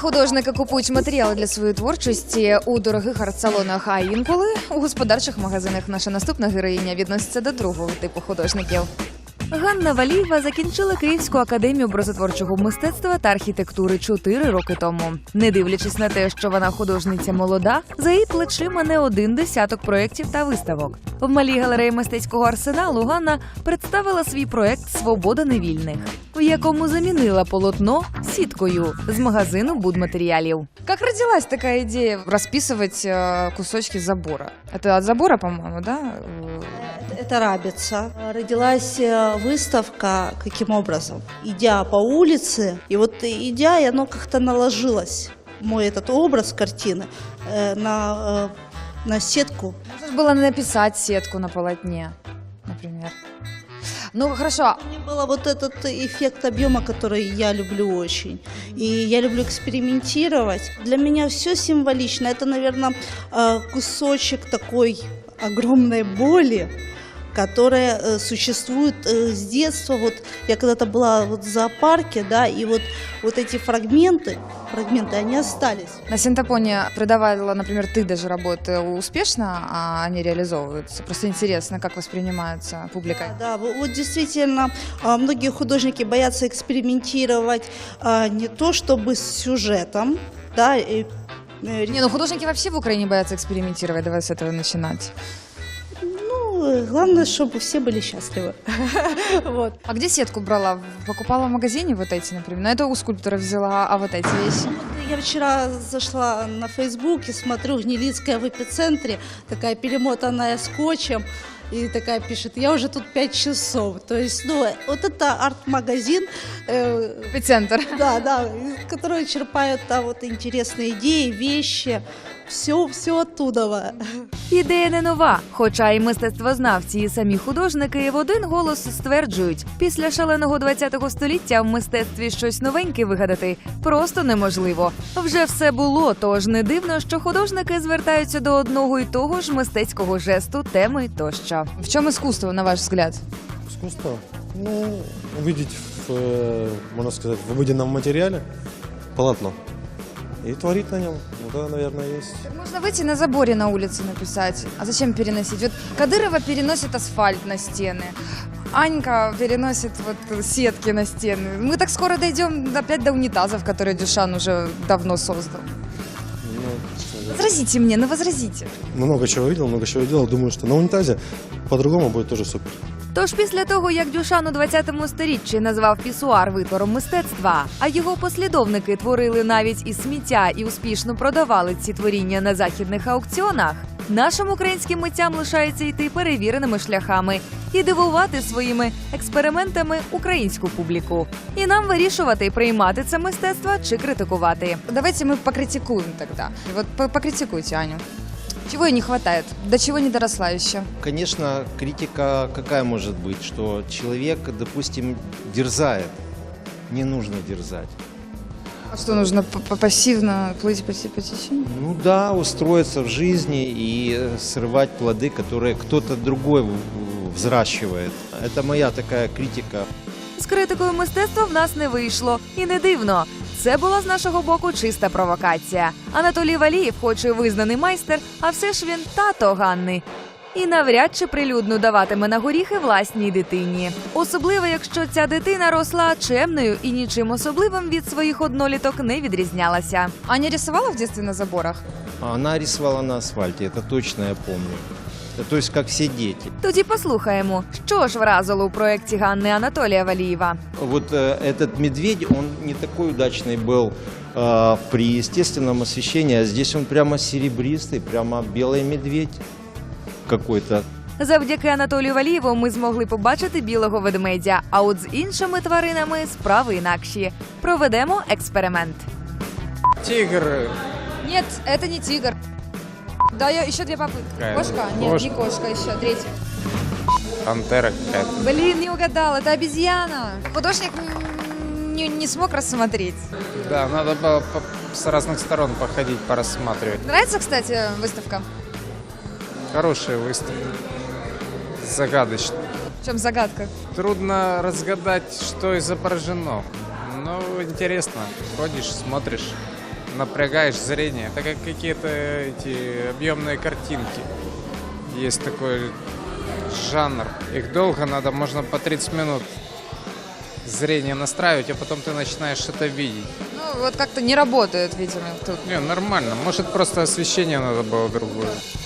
художники купують матеріали для своєї творчості у дорогих арт-салонах, а інколи у господарчих магазинах. Наша наступна героїня відноситься до другого типу художників. Ганна Валієва закінчила Київську академію образотворчого мистецтва та архітектури 4 роки тому. Не дивлячись на те, що вона художниця молода, за її плечима не один десяток проєктів та виставок. В малій галереї мистецького арсеналу Ганна представила свій проєкт «Свобода невільних», в якому замінила полотно сіткою з магазину будматеріалів. Як родилась така ідея розписувати кусочки забора? Це від забора, по-моєму, да? Это рабица. Родилась выставка каким образом? Идя по улице, и вот идя, и оно как-то наложилось, мой этот образ картины, на сетку. Можно было написать сетку на полотне, например. Ну, хорошо. Мне было вот этот эффект объема, который я люблю очень. И я люблю экспериментировать. Для меня все символично. Это, наверное, кусочек такой огромной боли, которая существует с детства. Вот я когда-то была вот в зоопарке, да, и вот эти фрагменты, они остались. На Синтопоне продавала, например, ты даже работы успешно, а они реализовываются. Просто интересно, как воспринимаются публикой. Да, вот действительно, многие художники боятся экспериментировать не то чтобы с сюжетом, да. Не, ну художники вообще в Украине боятся экспериментировать, давай с этого начинать. Главное, чтобы все были счастливы. Вот. А где сетку брала? Покупала в магазине вот эти, например? На это у скульптора взяла, а вот эти вещи? Я вчера зашла на Facebook и смотрю, Гнилицкая в эпицентре, такая перемотанная скотчем, и такая пишет: я уже тут 5 часов. То есть, вот это арт-магазин. Эпицентр. Да, из которого черпают вот интересные идеи, вещи. Все оттуда. Ідея не нова, хоча і мистецтвознавці, і самі художники в один голос стверджують, після шаленого 20-го століття в мистецтві щось новеньке вигадати просто неможливо. Вже все було, тож не дивно, що художники звертаються до одного і того ж мистецького жесту, теми тощо. В чому іскусство, на ваш взгляд? Искусство? Увидеть, можно сказать, в обыденном материале полотно и творить на нем. Вот это, наверное, есть. Можно выйти на заборе на улице написать. А зачем переносить? Вот Кадырова переносит асфальт на стены. Анька переносит вот сетки на стены. Мы так скоро дойдем опять до унитазов, которые Дюшан уже давно создал. Возразите мне, возразите. Много чего видел, много чего делал. Думаю, что на унитазе по-другому будет тоже супер. Тож після того, як Дюшан у 20-му сторіччі назвав пісуар витвором мистецтва, а його послідовники творили навіть із сміття і успішно продавали ці творіння на західних аукціонах, нашим українським митцям лишається йти перевіреними шляхами і дивувати своїми експериментами українську публіку. І нам вирішувати, приймати це мистецтво чи критикувати. Давайте ми покритикуємо тоді. Вот покритикуйте Аню. Чего ей не хватает? До чего не доросла еще? Конечно, критика какая может быть? Что человек, допустим, дерзает. Не нужно дерзать. А что нужно пассивно плыть по течению? Ну да, устроиться в жизни и срывать плоды, которые кто-то другой взращивает. Это моя такая критика. З критикою мистецтва в нас не вийшло. І не дивно. Це була з нашого боку чиста провокація. Анатолій Валієв, хоч і визнаний майстер, а все ж він тато Ганни. І навряд чи прилюдно даватиме на горіхи власній дитині. Особливо, якщо ця дитина росла чемною і нічим особливим від своїх одноліток не відрізнялася. Аня рисувала в дитинстві на заборах? Она рисовала на асфальте, это точно я помню. То есть, как все дети. Тоді послухаємо, що ж вразило у проєкті Ганни Анатолія Валієва. Вот этот медведь, он не такой удачный был при естественном освещении, а здесь он прямо серебристый, прямо белый медведь какой-то. Завдяки Анатолію Валієву ми змогли побачити білого ведмедя, а от з іншими тваринами справи інакші. Проведемо експеримент. Тигр. Ні, це не тигр. Да, еще 2 попытки. Кошка? Нет, не кошка, еще 3. Пантера какая-то. Блин, не угадал, это обезьяна. Художник не смог рассмотреть. Да, надо было с разных сторон походить, порассматривать. Нравится, кстати, выставка? Хорошая выставка. Загадочно. В чем загадка? Трудно разгадать, что изображено. Но интересно. Ходишь, смотришь. напрягаешь зрение. Это как какие-то эти объемные картинки. Есть такой жанр. Их долго надо, можно по 30 минут зрение настраивать, а потом ты начинаешь что-то видеть. Ну, вот как-то не работает, видимо, тут. Не, нормально. Может, просто освещение надо было другое.